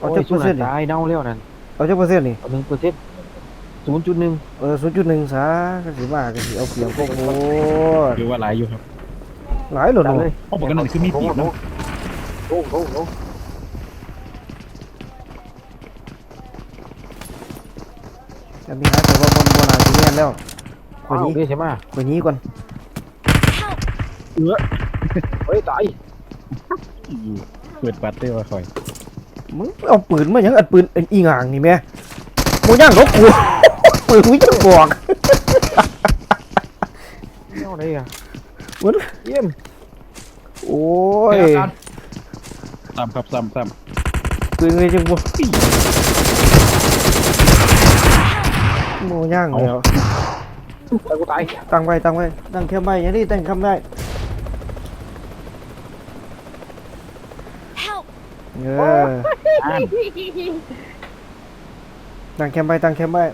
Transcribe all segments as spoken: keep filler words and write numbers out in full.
เอาจักเปอร์เซ็นต์นี่ตายเน่าแล้วนั่นเอาจักเปอร์เซ็นต์นี่เอาหนึ่งเปอร์เซ็นต์ศูนย์จุดหนึ่งเออศูนย์จุดหนึ่งซะก็สิมาก็สิเอาเปรียบพวกโอ้หรือว่าหลายอยู่ครับหลายหลดจัดเนาะเลยเพราะปกติคือมีปีกเนาะโอ้โหโอ้โหจะมีหาแต่ว่าบนบนหาสิแม่นแล้วคว้าน วนี้นี่ใช่ไหมคนนี้ก่อนเอือเฮ้ยตายเปิดบัตรได้ว่าคอยมึงเอาปืนมาหยังอัดปืนอีหง่างนี่แม่โมย่างรบกู ปืนมึงจะบอกเน่าอะไรอ่ะมันเยี่ยมโอ้ยซ้ำครับซ้ำซ้ปืนเลยจังบ่โมย่างแล้วตายกูตายตั้งไว้ตั้งไว้ตั้งแค่ไว้อย่างนี้ตั้งคำได้ Help! เออำอ่านตั้งแคมป์ไว้ตั้งแคมป์ไว้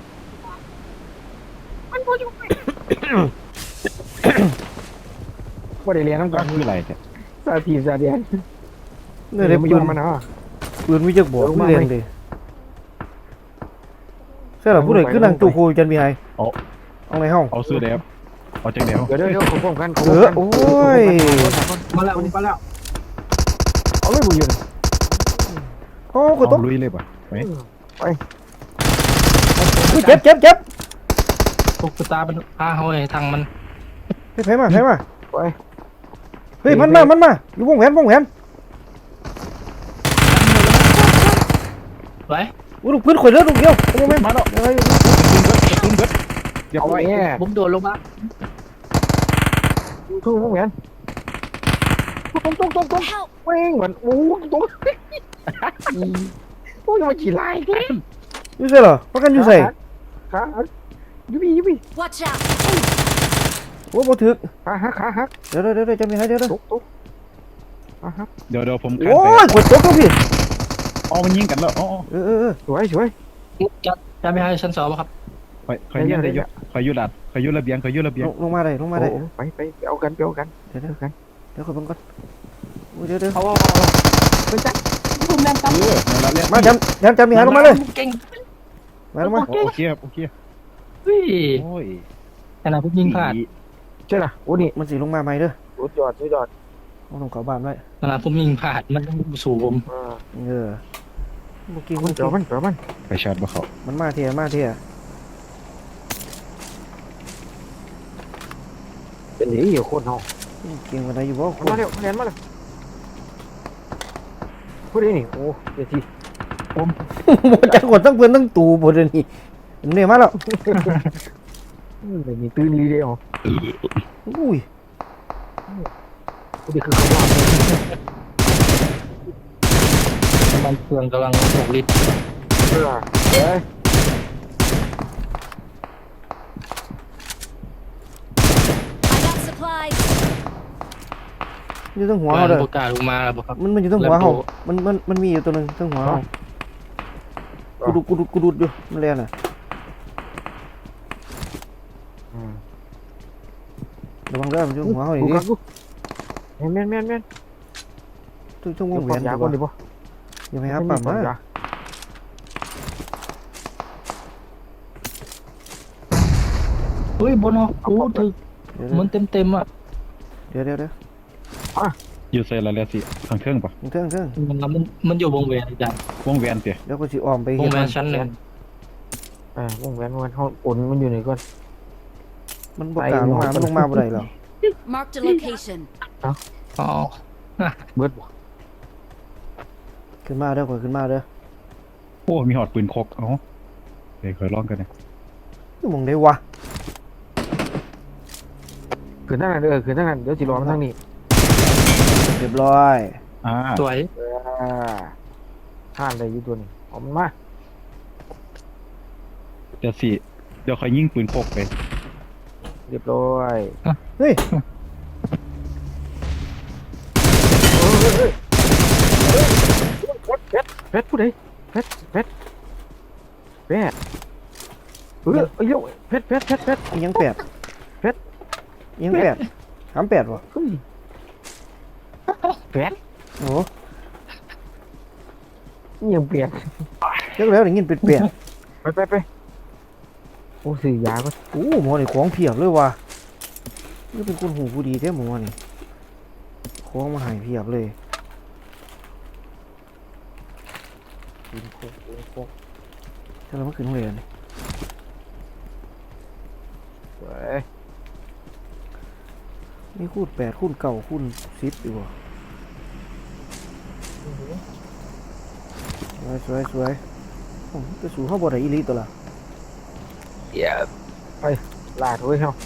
ว่าได้เรียนน้ำกัก็นคืออะไรเนี่ยซาทีซาเดียนเนี่ยเดี๋ยวมาปืยุ่นงมันนะปืนวิจักบอกลงผู้มาเรียนไหมดิใช่เหรอผู้ใดคือนั่งตู้โคจันบีไฮเอาในห้องเอาซื้อแล้วเอาจากเดียวเดี๋ยวเดี๋ยวเดี๋ยวของผมกันเออโอ้ยมาแล้วมาแล้วเอาเลยบุญยืนโอ้กูตเอากลุยเลยป่ะไหมเจ็บเจ็บเจ็บพวกตาเป็นพาเขาไอ้ทางมันเฮ้ยไผมาไผมาไปเฮ้ยมันมามันมาอยู่วงแหวนวงแหวนไว้อู้ลูกพื้นข่อยเลือดลูกเดียวโอ้แม่มาแล้วอะไรอยู่ขึ้นเบิดเดี๋ยวเอาเอาไว้ไว้แง่ผมโดดลงมาทุ่งพวกแง่ตุ้งตุ้งตุ้งตุ้ง Help! เว้งเหมือนโอ้ตุ้งโอ้ยมาขี่ลายเลยอยู่ใส่เหรอพักกันอยู่ใส่ขายุบยุบ Watch out! โอ้บ่ถึกขาหักขาหักเดี๋ยวเดี๋ยวเดี๋ยวจะมีให้เดี๋ยวเดี๋ยวตุ๊กตุ๊กขาหักเดี๋ยวเดี๋ยวผมกันโอ้ไปยกดตกแล้วพี่อ๋อมันยิงกันแล้วอ๋อเออเออเออสวยสวยจะจะไม่ให้ชั้นสองครับคอยคอยยิงได้อยู่คอยยุดัดคอยยุระเบียงคอยยุระเบียลงงลงมาได้ลงมาได้ไปไปไปเอากันไปเอากันเดี๋ยวเดี๋ยวเอากันเดี๋ยวขอบังก่อนโอ้ยเดี๋ยวเดี๋ยวเขาไปจัดผมแม่นตั้มเออนั่นละมาจำจำจำมีให้ลงมาเลยเก่งมาลงมาโอเคครับโอเคเฮ้ยโอ้ยขนาดผมยิงพลาดใช่ล่ะโอ้นี่มันสิลงมาใหม่เด้อสุดยอดสุดยอดเอาลงเขาบ้านไว้ขนาดผมยิงพลาดมันสู่ผมอ่าเออเมื่อกี้มัมัน นเจอมันเจอมันไปชาร์จบ่เขามันมาเทียมาเทียเป็นหนีอยู่โคตรเนาะเก่งกว่าไหนอยู่บ่คมาน เร็วมาเร็วมาเร็วพูดได้นี่โอ้เดี๋ยวทีบ่จักกดทั้งเพื่อนทั้งตูบ่เดี๋ยวนี้เนี่ยมาแล้วไม่มีตื่นรีเดียวอุ้ยพูดได้คือเขาว่ามันเครื่องกำลังหกลิตรเออเฮ้ย I got supplies! อยู่ทั้งหัวบ้าเฮาน เด้อโอกาสลงมาแล้วครับมันมันอยู่ทั้งหัวเฮามันมันมันมีอยู่ตัวหนึงทั้งหัวเฮากูดูกูดูกูดูอยู่มันเรียนน่ะระวังเด้อมันอยู่หัวเฮาอีกกูดิกักูแม่นแม่นแม่นทุกช่วงวเดี๋ยวงแหวปั๊มนยาดีกก่อนว่าดิบ่อย่าไปหาปั๊มนะเฮ้ยบนหอกกูถึกเดี๋ยวเหมือนเต็มเต็มๆอ่ะเดี๋ยวเดี๋ยวเดี๋ยวอยู่ใส่ละแล้วสิทางเครื่องป่ะเทิงเทิงมันมันมันอยู่วงเวียนจังวงแหวนเตี๋ยเดี๋ยวก็สิอ้อมไปวเฮ็งดเวียมัน นชั้นหนึ่งเออวงแหวนวงแหวนเขาอุ่นมันอยู่ไหนก่อนมันบ่กล้าลงมามันลงมาบ่ได้หรอก Marked a location. อ๋อเบิดบ่ขึ้นมาเด้อข่อยขึ้นมาเด้อโอ้มีหอดปืนคกเอ้าเดี๋ยวคอยลองกันนะอยู่หม่องใดวะขึ้นทางนั้นเด้อขึ้นทางนั้นเดี๋ยวสิรอมันทางนี้เรียบร้อยอ่าสวยอ่าท่านได้อยู่ตัวนี้เอามันมาเดี๋ยวสิเดี๋ยวคอยยิงปืนคกไปเรียบร้อยเฮ้ยเพชรเพชรผู้ใดเพชรเพชรเพชรเออเอ้ยเดี๋ยวเพชรเพชรเพชรเพชรอีหยังแปดเพชรอีหยังแปดถามแปดวะเฮ้ยเพชรโอ้ยังเปลี่ยนเลิกแล้วได้ยินเป็นเปลี่ยนไปไปไปโอ้ซื้อยาก็โอ้หมอนี่ของเพียบเลยว่ะนี่เป็นคนหูผู้ดีแท้หมอนี่ของมาให้เพียบเลยกินโคกกินโคกถ้าเราไม่ขึ้นโรงเรียนนี่เว้ยนี่คูณแปดคูณเก้าคูณสิบดีกว่าสวยสวยสวยโอ้จะสู่เข้าบ่ได้อีหลีตัวละเดี๋ยวไปลาดเว้ยเฮา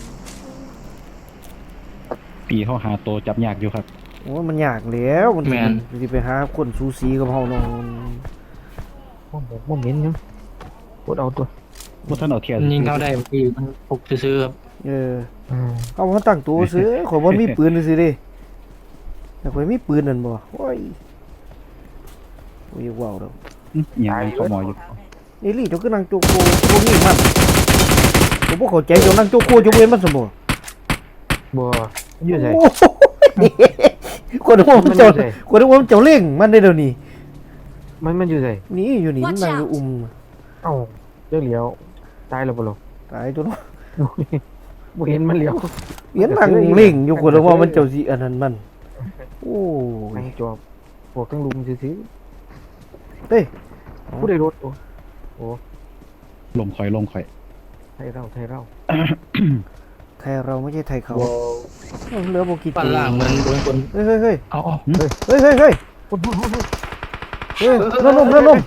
ปีเขาหาตัวจับยากอยู่ครับโอ้มันยากแล้วมันแม่นสิไปหาคนสูสีกับเฮาเนาะบ่บ่บ่เหม็นยังกดเอาตัวว่าท่านเอาเทียนยิงเข้าได้คือมันปลุกซื้อๆครับเอออืมเอามาตั้งตัวซื้อข่อยบ่มีปืนซื่อๆเดิแต่ข่อยมีปืนนั่นบ่โอ้ยโอ้ยว้าวดอกอื้อยังไงเขาหมออยู่นี่ลี่เจ้าคือนั่งโจโกบ่มีมันผมบ่เข้าใจเจ้านั่งโจโกจะเว้นมันซะบ่บ่อยู่ไสโอ้ยคนนึกว่ามันเจ้าคนนึกว่ามันเจ้าเล่งมันได้เดี๋ยวนี้มันมันอยู่ไสนี่อยู่นี่มันนั่งอยู่อุ้มเอ้าเรื่องเหลียวตายแล้วบ่ลูกตายตัวเนาะบ่เห็นมันเหลียวเห็นนั่งเล่งอยู่คนนึกว่ามันเจ้าสิอันนั้นมันโอ้นั่ยงจอบพวกทั้งลุมซื่อเฮ้ยๆผู้ใดรถโอ้ลมคอยลมคอยไทยเราไทยเราไทยเราไม่ใช่ไทยเขาเหลือบ่กี่ปั้นตัวล่างมันโดนคนเฮ้ยเฮ้ยเฮ้ยเอาเอาเฮ้ยเฮ้ยเฮ้ยคนพูดพูดพูดเฮ้ยนั่นลมนั่นลม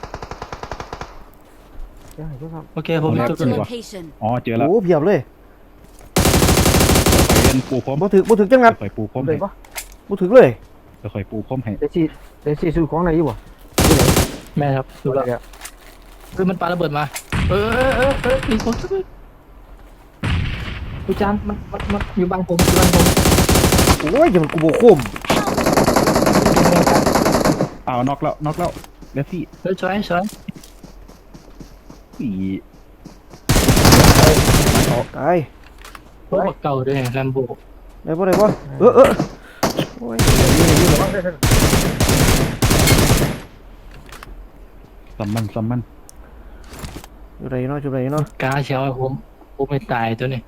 ได้ครับโอเคผม Marked จุ a ด location. อ๋อเจอแล้วโอ้เพียบเลยคอยเรียนปูพรมบ่ถึกบ่ถึกจังงัดคอยปูพรมเลให้ยปะบ่ถึกเลยคอยปูพรมให้เดซี่เดซี่ซื้อของอะไรอยู่วะแม่ครับดูแล้วเดี๋ยวคือมันปาระเบิดมา เออเออเออเออมีคนดูจานมันมันมันอยู่บางผมอยู่บางผมโอ้ยจะมันกูบ่คมอ้าวนอกแล้วนอกแล้วแล้วสิเฮ้ยช่วยช่วยปีตายรถเก่าด้วยแลมโบได้บ่ได้บ่เออเออโอ้ยซัมมันซัมมันอยู่ไหนเนาะอยู่ไหนเนาะกาเชียวผมผมไม่ตายตัวนี้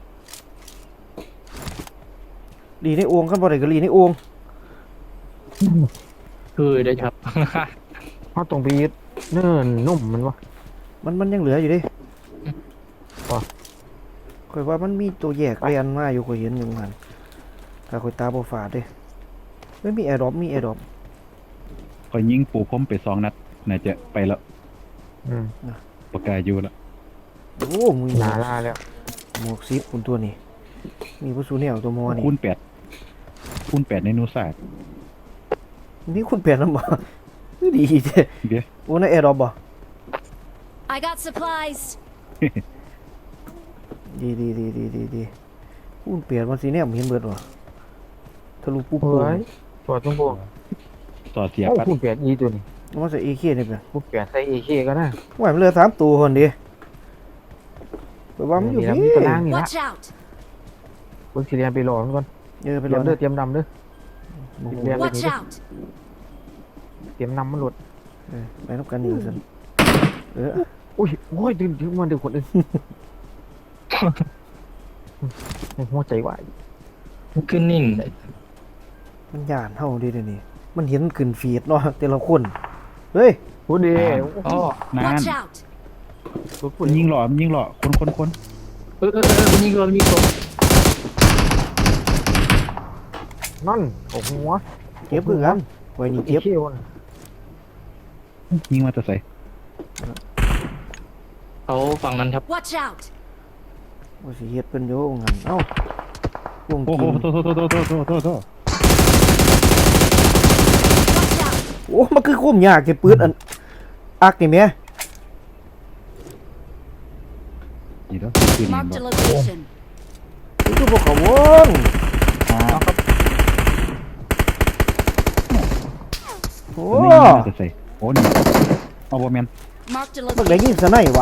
ลีในโอ่งคันบ่ได้ก็ลีในโอ่งคือได้ครับเขาตรงไปยึดเนิ่นนุ่มมันวะมันมันยังเหลืออยู่เดิว่ะข่อยว่ามันมีตัวแยกเรียนมาอยู่ข่อยเห็นอยู่หั่นถ้าข่อยตาบ่ฝาดเด้เฮ้ยมีแอร์ดรอปมีแอร์ดรอปคอยยิงปูพรมไปสองนัดน่าจะไปแล้วอืมปากกาอยู่แล้วโอ้มึงหนาลาแล้วหมวกซิปคุณตัวนี้มีผู้สูแนวตัวมอนี่คูณแปดคูณแปดในนูศาสตร์มีคุณเปลี่ยนนำบ่ดีเด้เดี๋ยวโอ้ในแอร์ดรอปบ่ I got supplies. ดีดีดีดีดีดีคุณเปลี่ยนมันสิแนมเห็นเบิดว่ะทะลุปุ๊บเฮ้ปุ๊บยสอดตรงพวกต่อเสียโอ้ปัดพูดแปดอีตัวนี้มันใส่ เอ เค นี่เปล่าพูดแปดใส่เอเคก็ได้ว่ามันเหลือสามตัวคนดิไปว่ามันอยู่แล้วที่มีตารางนี่ละ Watch out. เบิ่งสิเรียนไปรอมันก่อนเออไปเตรีรยอมเด้อนะเตรียมดำเด้อโอ้โหเรียน Watch out. เตรียมนำมันหลุดเออไปนับกันอยู่สิเอออุ้ยโอ้ยดึงดึงมันดึงคนอื่นหัวใจวายมันขึ้นนิ่งเลยมันย่านเฮาดิเดี๋ยวนี้มันเห็นขึ้นฟีดเนาะแต่ละคนเฮ้ยพูดดีอ๋อนาน Watch out. พูดมันยิงหล่อมันยิงหล่อคนคนคนเออเออเออมันยิงโดนมีคนนั่นโอ้โหเก็บคือกันไว้นี่เอเก็บเควันยิงมาแต่ใส่เขาฝั่งนั้นครับ Watch out. ว่าสิเฮ็ดเพิ่นอยู่งั้นเอ้าวงโอ้โหกินโทษโทษโทษโทษโทษโทษโทษโทษ Watch out. โอ้มันคือคุ้มยากแค่ปืนอันอักนี่แหม่นี่แล้วคือนี่ Marked a บ่ location. นี่คือพวกเขาวงอ๋อโอ้ตัวนี้ยิงมาแต่ใส่โอ้นี่เอาบ่แม่น Marked a บักได้ยิ location. นซะไหนวะ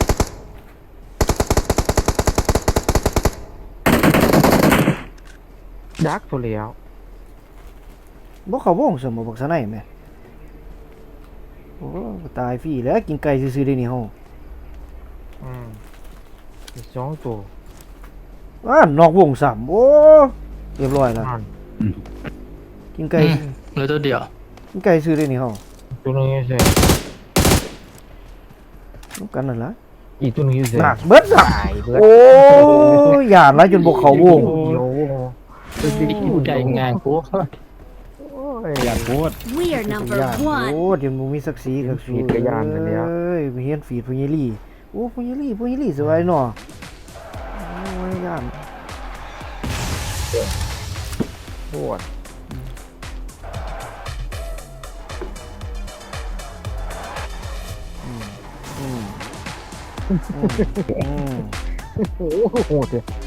ดักตัวแล้วบ่เขาวงสมบ่บักซะไหนแหม่โอ้โอ้ตายฟรีแล้วกินไก่ซื่อๆได้นี่เฮาอืมอีกสองตัวอ่านอกวงสามโอ้เรียบร้อยแล้วอ่านกินไก่อืมเหลือตัวเดียวกินไก่ซื้อได้นี่เฮาตัวหนึงอยู่เซ่น้ำกันนั่นล่ะอีกตัวหนึงอยู่เซ่หนักเบิดอ่ะตายเบิดโอ้ยหยาดแล้วจนบ่เข้าวงโอ้โหกูใจงานกูโอ้ยอยากโคตร We are number หยาด one. โอ้เดี๋ยวมึงมีศักดิ์ศรีกับฟีดกระยานไปแล้วเอ้ยไปเฮียนฟีดพุญยลี่โอ้พุญยลี่พุญยลี่สบายเนาะโอ้ยหยาดโคตรอืมอืมอืมโอ้โหเจ้